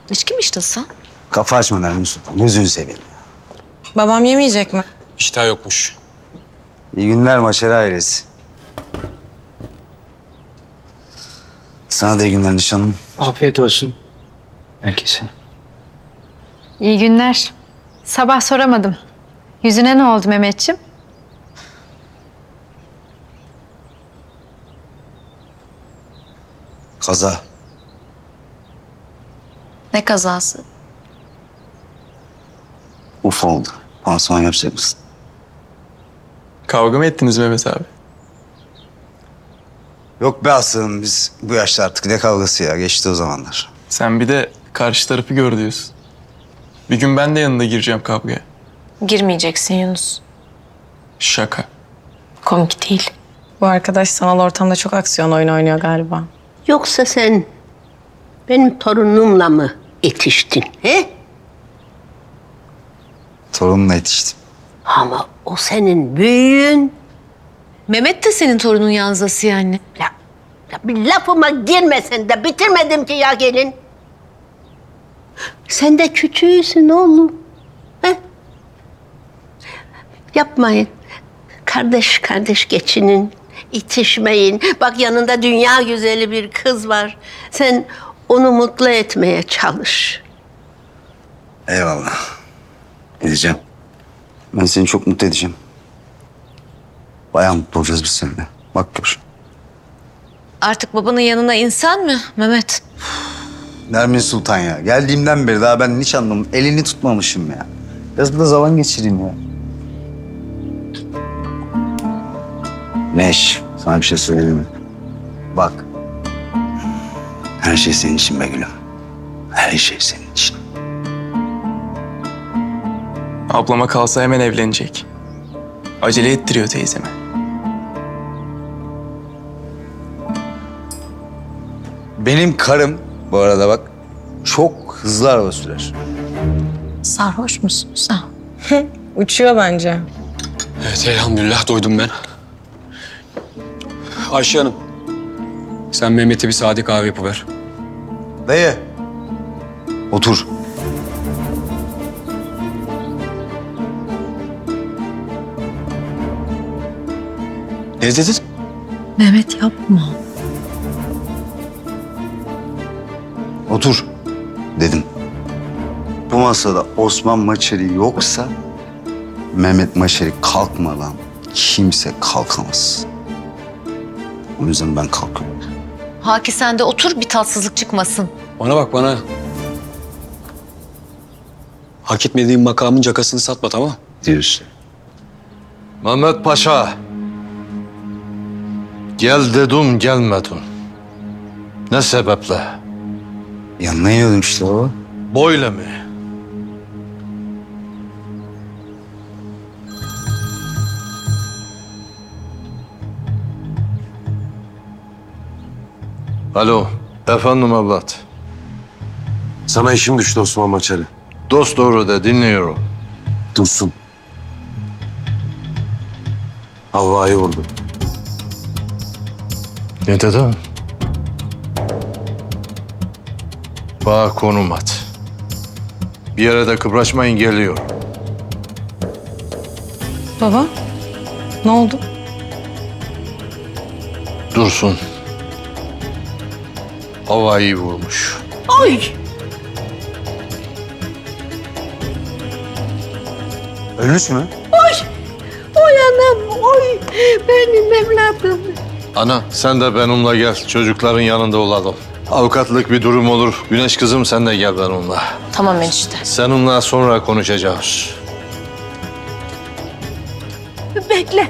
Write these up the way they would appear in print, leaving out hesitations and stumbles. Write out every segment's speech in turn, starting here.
İçki mi içtin? Kafa açma Nermin Sultan. Gözünü seveyim. Babam yemeyecek mi? İştah yokmuş. İyi günler Maşeri ailesi. Sana da iyi günler nişanlım. Afiyet olsun herkese. İyi günler. Sabah soramadım. Yüzüne ne oldu Mehmetciğim? Kaza. Ne kazası? Uf oldu. Pansuman yapacak mısın? Kavga mı ettiniz Mehmet abi? Yok be aslanım, biz bu yaşta artık ne kavgası ya. Geçti o zamanlar. Sen bir de karşı tarafı gör diyorsun. Bir gün ben de yanında gireceğim kavgaya. Girmeyeceksin Yunus. Şaka. Komik değil. Bu arkadaş sanal ortamda çok aksiyon oyunu oynuyor galiba. Yoksa sen benim torunumla mı yetiştin, he? Torunumla yetiştim. Ama o senin büyüğün. Mehmet de senin torunun Yanzası yani. Ya bir lafıma girmesen de bitirmedim ki ya gelin. Sen de küçüğüsün oğlum. He? Yapmayın. Kardeş kardeş geçinin, itişmeyin. Bak yanında dünya güzeli bir kız var. Sen onu mutlu etmeye çalış. Eyvallah. Edeceğim. Ben seni çok mutlu edeceğim. Bayağı mutlu olacağız biz seninle. Bak gör. Artık babanın yanına insan mı Mehmet? Nermin Sultan ya. Geldiğimden beri daha ben nişanlımın elini tutmamışım ya. Biraz burada zaman geçireyim ya. Neş, sana bir şey söyleyeyim mi? Bak. Her şey senin için be gülüm. Her şey senin için. Ablama kalsa hemen evlenecek. Acele ettiriyor teyzeme. Benim karım bu arada bak çok hızlı araba sürer. Sarhoş musun sen? Uçuyor bence. Evet elhamdülillah doydum ben. Ayşe Hanım. Sen Mehmet'e bir sade kahve yapıver. Dayı. Otur. Ne dedin? Mehmet yapma. Otur dedim. Bu masada Osman Maçeri yoksa Mehmet Maçeri kalkmadan kimse kalkamaz. O yüzden ben kalkıyorum. Haki sen de otur bir tatsızlık çıkmasın. Bana bak bana. Hak etmediğin makamın cakasını satma tamam? Diyorsun. Mehmet Paşa. Gel dedim gelmedin. Ne sebeple? Yanına yiyordum işte baba. Böyle mi? Alo, efendim evlat. Sana işim düştü Osman Maçarı. Dost doğru de dinliyorum. Dursun. Havva'yı vurdu. Ne dedin? Bana konum at. Bir yere de kıpraşmayın geliyor. Baba, ne oldu? Dursun. Havayı vurmuş. Oy! Ölmüş mü? Oy anam, oy! Benim evladım. Ana sen de benimle gel. Çocukların yanında olalım. Avukatlık bir durum olur. Güneş kızım sen de gel benimle. Tamam enişte. Seninle sonra konuşacağız. Bekle.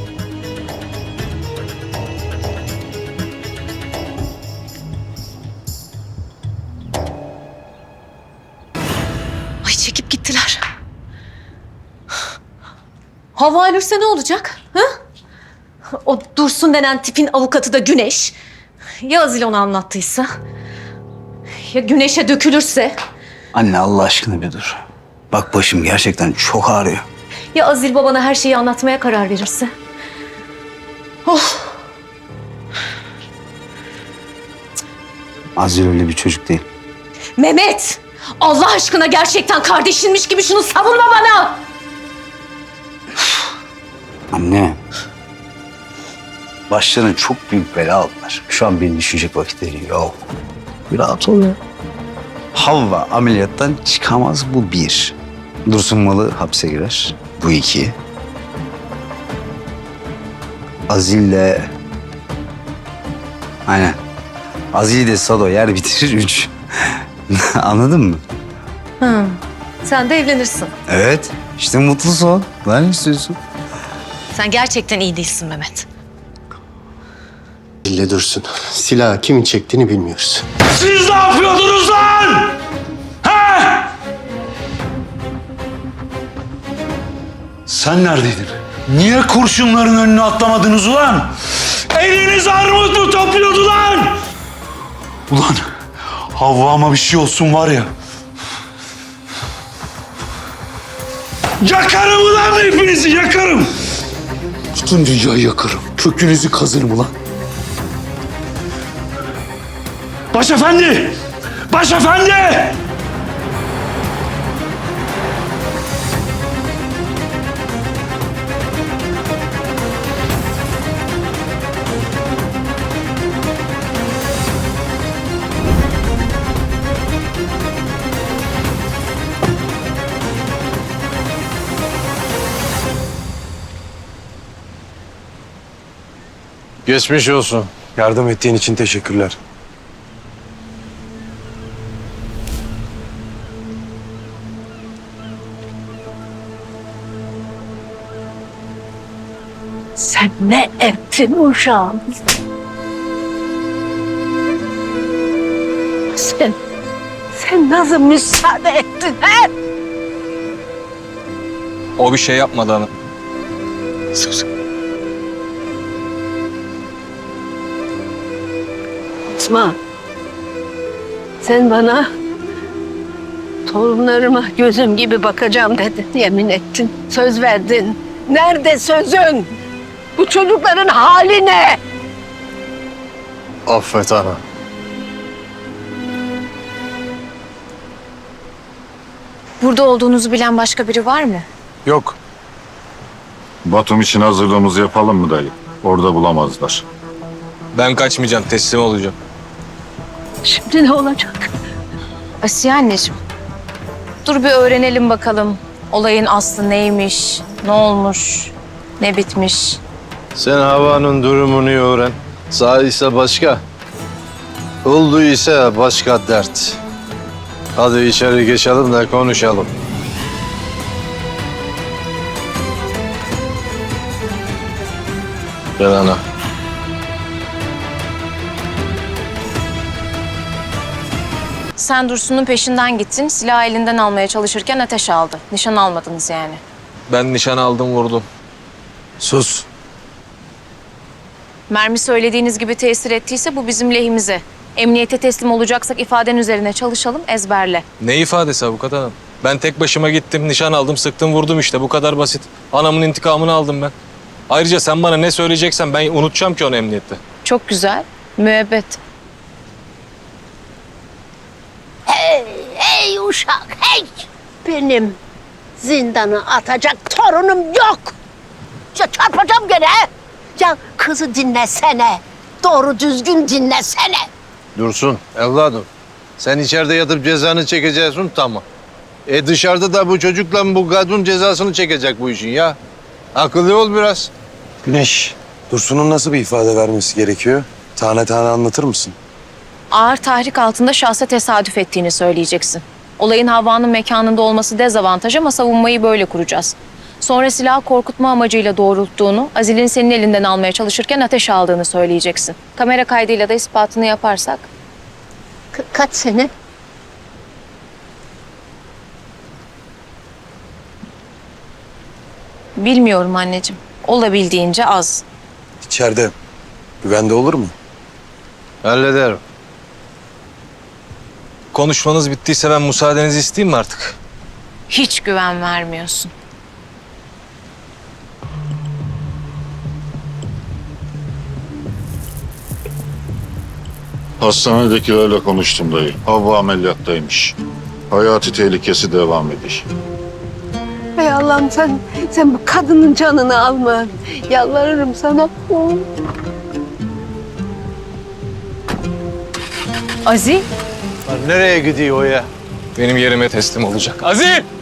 Ay çekip gittiler. Hava ölürse ne olacak? Ha? O Dursun denen tipin avukatı da Güneş. Ya Azil onu anlattıysa? Ya Güneş'e dökülürse? Anne Allah aşkına bir dur. Bak başım gerçekten çok ağrıyor. Ya Azil babana her şeyi anlatmaya karar verirse? Azil öyle bir çocuk değil. Mehmet! Allah aşkına gerçekten kardeşinmiş gibi şunu savunma bana. Anne. Başlarına çok büyük bela aldılar. Şu an beni düşünecek vakitleri yok. Bir rahat ol ya. Havva ameliyattan çıkamaz, bu bir. Dursun Malı hapse girer. Bu iki. Azil'le... Aynen. Azil de Sado yer bitirir, üç. Anladın mı? Sen de evlenirsin. Evet. İşte mutlu son. Ne istiyorsun? Sen gerçekten iyi değilsin Mehmet. Elle dursun. Silahı kimin çektiğini bilmiyoruz. Siz ne yapıyordunuz lan? He? Sen neredeydin? Niye kurşunların önüne atlamadınız ulan? Eliniz armut mu topluyordu lan? Ulan Havva'ma bir şey olsun var ya. Yakarım ulan hepinizi, yakarım. Bütün dünyayı yakarım. Kökünüzü kazırım ulan. Başefendi! Başefendi! Geçmiş olsun. Yardım ettiğin için teşekkürler. Sen ne ettin uşağım? Sen nasıl müsaade ettin he? O bir şey yapmadı hanım. Sus. Fatma, sen bana torunlarıma gözüm gibi bakacağım dedin, yemin ettin, söz verdin. Nerede sözün? Bu çocukların hali ne? Affet ana. Burada olduğunuzu bilen başka biri var mı? Yok. Batum için hazırlığımızı yapalım mı dayı? Orada bulamazlar. Ben kaçmayacağım, teslim olacağım. Şimdi ne olacak? Asiye anneciğim. Dur bir öğrenelim bakalım. Olayın aslı neymiş, ne olmuş, ne bitmiş. Sen havanın durumunu öğren. Sağ ise başka. Oldu ise başka dert. Hadi içeri geçelim de konuşalım. Gel ana. Sen Dursun'un peşinden gittin, silahı elinden almaya çalışırken ateş aldı. Nişan almadınız yani. Ben nişan aldım, vurdum. Sus. Mermi söylediğiniz gibi tesir ettiyse bu bizim lehimize. Emniyete teslim olacaksak ifaden üzerine çalışalım, ezberle. Ne ifadesi avukat hanım? Ben tek başıma gittim, nişan aldım, sıktım, vurdum işte. Bu kadar basit. Anamın intikamını aldım ben. Ayrıca sen bana ne söyleyeceksen ben unutacağım ki onu emniyette. Çok güzel, müebbet. Hey uşak, hey! Benim zindana atacak torunum yok. Ya çarpacağım gene. Ya kızı dinlesene. Doğru düzgün dinlesene. Dursun evladım. Sen içeride yatıp cezanı çekeceksin, tamam. Dışarıda da bu çocukla bu kadın cezasını çekecek bu işin ya. Akıllı ol biraz. Güneş, Dursun'un nasıl bir ifade vermesi gerekiyor? Tane tane anlatır mısın? Ağır tahrik altında şahsa tesadüf ettiğini söyleyeceksin. Olayın Havva'nın mekanında olması dezavantaj ama savunmayı böyle kuracağız. Sonra silahı korkutma amacıyla doğrulttuğunu, Azil'in senin elinden almaya çalışırken ateş aldığını söyleyeceksin. Kamera kaydıyla da ispatını yaparsak. Kaç sene? Bilmiyorum anneciğim. Olabildiğince az. İçeride. Güvende olur mu? Hallederim. Konuşmanız bittiyse ben müsaadenizi isteyeyim mi artık? Hiç güven vermiyorsun. Hastanedekilerle konuştum dayı. Havva ameliyattaymış. Hayati tehlikesi devam ediyor. Ey Allah'ım sen bu kadının canını alma. Yalvarırım sana. Azil, Lan nereye gidiyor o ya? Benim yerime teslim olacak. Azil!